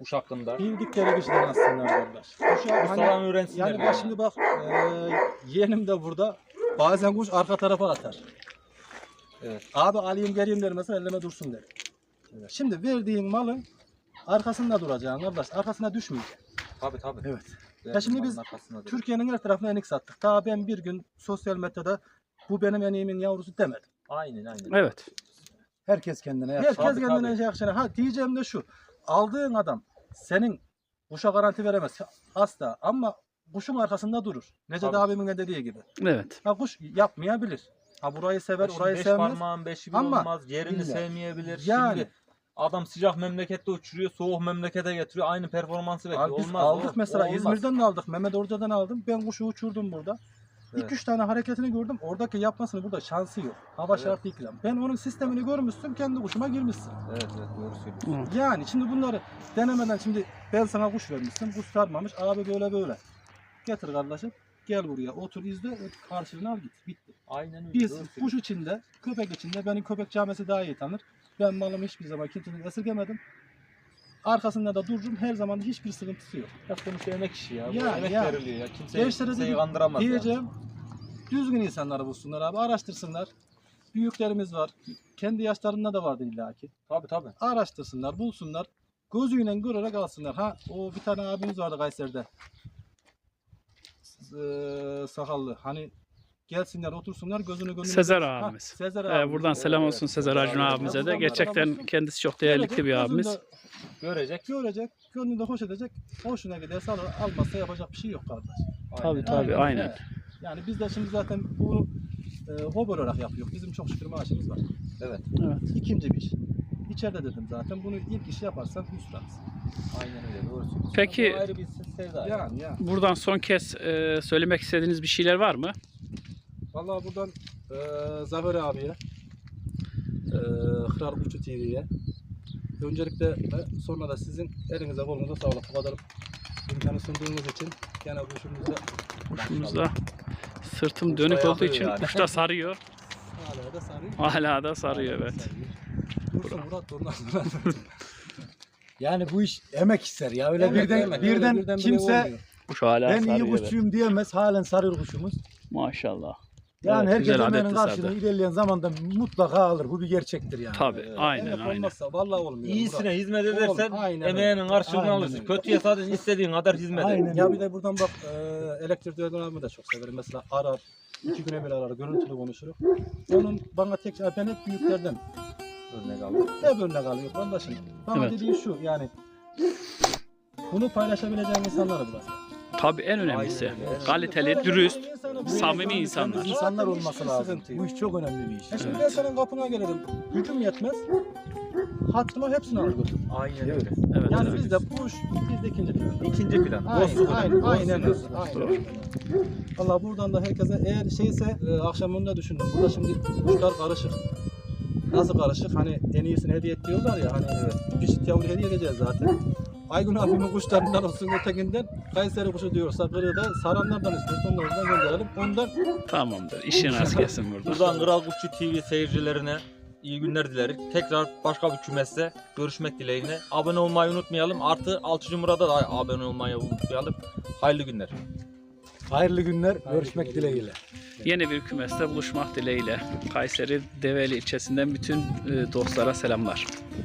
[SPEAKER 3] kuş hakkında.
[SPEAKER 2] Bildikleri kişiden aslında kardeş. Kuşa
[SPEAKER 3] Ustadan öğrensinler.
[SPEAKER 2] yani bak şimdi bak yeğenim de burada. Bazen kuş arka tarafa atar.
[SPEAKER 3] Evet.
[SPEAKER 2] Abi alayım geleyim der mesela elleme dursun der.
[SPEAKER 3] Evet.
[SPEAKER 2] Şimdi verdiğin malın arkasında duracaksın kardeş. Arkasına düşmeyeceksin.
[SPEAKER 3] Tabii.
[SPEAKER 2] Evet.
[SPEAKER 3] Ben
[SPEAKER 2] Ya şimdi biz
[SPEAKER 3] malın arkasında dur.
[SPEAKER 2] Türkiye'nin her tarafına enik sattık. Daha ben bir gün sosyal medyada bu benim eniğimin yavrusu demedim.
[SPEAKER 3] Aynen.
[SPEAKER 1] Evet.
[SPEAKER 5] Herkes kendine yakışır.
[SPEAKER 2] Herkes
[SPEAKER 3] Tabii,
[SPEAKER 2] kendine
[SPEAKER 3] tabii.
[SPEAKER 2] yakışana. Ha diyeceğim de şu. Aldığın adam senin kuşa garanti veremez. Asla. Ama kuşun arkasında durur. Necdet
[SPEAKER 3] Tabii.
[SPEAKER 2] abimin de dediği gibi.
[SPEAKER 1] Evet.
[SPEAKER 2] Ha kuş yapmayabilir. Ha burayı sever, orayı
[SPEAKER 3] Beş
[SPEAKER 2] sevmez.
[SPEAKER 3] parmağın beşi bir
[SPEAKER 2] Ama
[SPEAKER 3] olmaz. Yerini
[SPEAKER 2] illa.
[SPEAKER 3] sevmeyebilir.
[SPEAKER 2] Yani.
[SPEAKER 3] Şimdi adam sıcak memlekette uçuruyor, soğuk memlekete getiriyor. Aynı performansı bekliyor.
[SPEAKER 2] Abi biz
[SPEAKER 3] Olmaz.
[SPEAKER 2] aldık
[SPEAKER 3] o-
[SPEAKER 2] mesela
[SPEAKER 3] o olmaz.
[SPEAKER 2] İzmir'den de aldık. Mehmet Orca'dan aldım. Ben kuşu uçurdum burada.
[SPEAKER 3] Evet.
[SPEAKER 2] 2-3 tane hareketini gördüm. Oradaki yapmasını burada şansı yok. Hava
[SPEAKER 3] Evet.
[SPEAKER 2] şartı iklim. Ben onun sistemini görmüşsün. Kendi kuşuma girmişsin.
[SPEAKER 3] Evet doğru söylüyorsun.
[SPEAKER 2] Yani şimdi bunları denemeden şimdi ben sana kuş vermişsin. Kuş sarmamış. Abi böyle. Getir kardeşim. Gel buraya otur izle. Karşılığını al git. Bitti.
[SPEAKER 3] Aynen öyle.
[SPEAKER 2] Biz
[SPEAKER 3] doğru
[SPEAKER 2] kuş
[SPEAKER 3] söylüyorsun.
[SPEAKER 2] içinde, köpek içinde benim köpek camisi daha iyi tanır. Ben malımı hiçbir zaman kimsenin esirgemedim. Arkasında da dururum. Her zaman hiçbir sıkıntısı yok.
[SPEAKER 3] Ya sonuçta emek işi ya. Bu
[SPEAKER 2] Ya,
[SPEAKER 3] emek
[SPEAKER 2] ya.
[SPEAKER 3] veriliyor ya.
[SPEAKER 2] Gençlere
[SPEAKER 3] Kimseyi
[SPEAKER 2] dedim,
[SPEAKER 3] kandıramaz ya.
[SPEAKER 2] diyeceğim. Düzgün insanları bulsunlar abi. Araştırsınlar. Büyüklerimiz var. Kendi yaşlarında da vardı illaki.
[SPEAKER 3] Tabii.
[SPEAKER 2] Araştırsınlar, bulsunlar. Gözüyle görerek alsınlar. Ha o bir tane abimiz vardı Kayseri'de. Sakallı. Hani gelsinler otursunlar gözünü gönlünü.
[SPEAKER 1] Sezer
[SPEAKER 2] Ha,
[SPEAKER 1] abimiz.
[SPEAKER 2] Sezer abimiz.
[SPEAKER 1] Buradan selam olsun Sezer Acun abimize de. Gerçekten kendisi çok değerli bir abimiz.
[SPEAKER 3] Görecek.
[SPEAKER 2] Görecek, gönlünü de hoş edecek. Hoşuna giderse alır, almazsa yapacak bir şey yok kardeş.
[SPEAKER 1] Tabii aynen.
[SPEAKER 2] Evet. Yani biz de şimdi zaten bunu hobi olarak yapıyoruz. Bizim çok şükür maaşımız var.
[SPEAKER 3] Evet.
[SPEAKER 2] İkinci bir iş. İçeride dedim zaten. Bunu ilk işi yaparsan hüsranız.
[SPEAKER 3] Aynen öyle. Doğru söylüyorsun.
[SPEAKER 1] Peki-
[SPEAKER 3] Bu ayrı bir sevda.
[SPEAKER 2] Yani.
[SPEAKER 1] Buradan son kez söylemek istediğiniz bir şeyler var mı?
[SPEAKER 2] Vallahi buradan Zafer abiye, Kral Kuşçu TV'ye, öncelikle ve sonra da sizin elinize kolunuza sağlık. Bu kadar imkanı sunduğunuz için gene
[SPEAKER 1] Kuşumuzda sırtım dönük
[SPEAKER 3] Kuşlar
[SPEAKER 1] olduğu için
[SPEAKER 3] yakıyor yani.
[SPEAKER 1] kuş da sarıyor.
[SPEAKER 2] hala da sarıyor.
[SPEAKER 1] Hala da sarıyor evet.
[SPEAKER 2] Dursun Murat ondan sonra.
[SPEAKER 5] Yani bu iş emek ister ya. Öyle
[SPEAKER 2] Emek,
[SPEAKER 5] birden
[SPEAKER 2] emek.
[SPEAKER 5] birden
[SPEAKER 2] Öyle birden
[SPEAKER 5] kimse
[SPEAKER 2] olmuyor.
[SPEAKER 1] Kuş hala
[SPEAKER 5] ben iyi
[SPEAKER 1] sarıyor. Evet.
[SPEAKER 5] kuşçuyum diyemez. Halen sarıyor kuşumuz.
[SPEAKER 1] Maşallah.
[SPEAKER 5] Yani
[SPEAKER 1] Evet,
[SPEAKER 5] herkes
[SPEAKER 1] güzel
[SPEAKER 5] emeğinin
[SPEAKER 1] adetli
[SPEAKER 5] karşılığını
[SPEAKER 1] sardı.
[SPEAKER 5] ilerleyen zamanda mutlaka alır. Bu bir gerçektir yani.
[SPEAKER 1] Tabii aynen
[SPEAKER 2] Emek
[SPEAKER 1] aynen.
[SPEAKER 2] olmazsa vallahi olmuyor.
[SPEAKER 3] İyisine hizmet edersen
[SPEAKER 2] Aynen
[SPEAKER 3] emeğinin karşılığını
[SPEAKER 5] Aynen
[SPEAKER 3] alırsın.
[SPEAKER 5] öyle.
[SPEAKER 3] Kötüye zaten istediğin kadar hizmet et.
[SPEAKER 5] Aynen.
[SPEAKER 2] Ya bir de buradan bak elektrik dönemimi de çok severim. Mesela arar, 2 güne bir arar, görüntülü konuşuruz. Onun bana tek ben hep büyüklerden
[SPEAKER 3] Örnek aldım.
[SPEAKER 2] hep örnek alıyor kardeşim. Bana
[SPEAKER 1] Evet.
[SPEAKER 2] dediği şu yani bunu paylaşabileceğin insanları bulasın.
[SPEAKER 1] Tabii en önemlisi.
[SPEAKER 3] Aynen öyle.
[SPEAKER 1] Kaliteli, dürüst,
[SPEAKER 2] İnsanı
[SPEAKER 1] samimi
[SPEAKER 2] bulasın.
[SPEAKER 1] insanlar.
[SPEAKER 5] İnsanlar
[SPEAKER 2] Hiçbir
[SPEAKER 5] olması lazım.
[SPEAKER 2] sıkıntı yok.
[SPEAKER 5] Bu iş çok önemli bir iş.
[SPEAKER 2] Şimdi ben senin kapına gelirim. Gücüm yetmez. Hattıma hepsini alır götürürüm.
[SPEAKER 3] Aynen öyle.
[SPEAKER 1] Evet.
[SPEAKER 2] Yani
[SPEAKER 1] evet.
[SPEAKER 2] bizde bu iş bizde ikinci plan.
[SPEAKER 3] İkinci plan. Dostluk
[SPEAKER 2] Aynen,
[SPEAKER 3] önemli.
[SPEAKER 2] aynen,
[SPEAKER 3] Dostluk
[SPEAKER 2] aynen,
[SPEAKER 3] önemli.
[SPEAKER 2] aynen. Allah buradan da herkese eğer şeyse akşam onu da düşündüm. Burada şimdi kuşlar karışık. Nasıl karışık? Hani en iyisini hediye et diyorlar ya. Hani bir çift yavru hediye edeceğiz zaten. Aygün abimin kuşlarından olsun ötekinden Kayseri kuşu diyorsa kırığı da saranlardan istiyorsa onlardan gönderelim. Ondan
[SPEAKER 1] Tamamdır. İşin rast gelsin burada.
[SPEAKER 3] Buradan Kral Kuşçu TV seyircilerine iyi günler dileriz. Tekrar başka bir kümeste görüşmek dileğiyle. Abone olmayı unutmayalım. Artı Alçıcı Murat'a da abone olmayı unutmayalım. Hayırlı günler.
[SPEAKER 5] Hayırlı günler. Görüşmek dileğiyle.
[SPEAKER 1] Yeni bir kümeste buluşmak dileğiyle. Kayseri Develi ilçesinden bütün dostlara selamlar.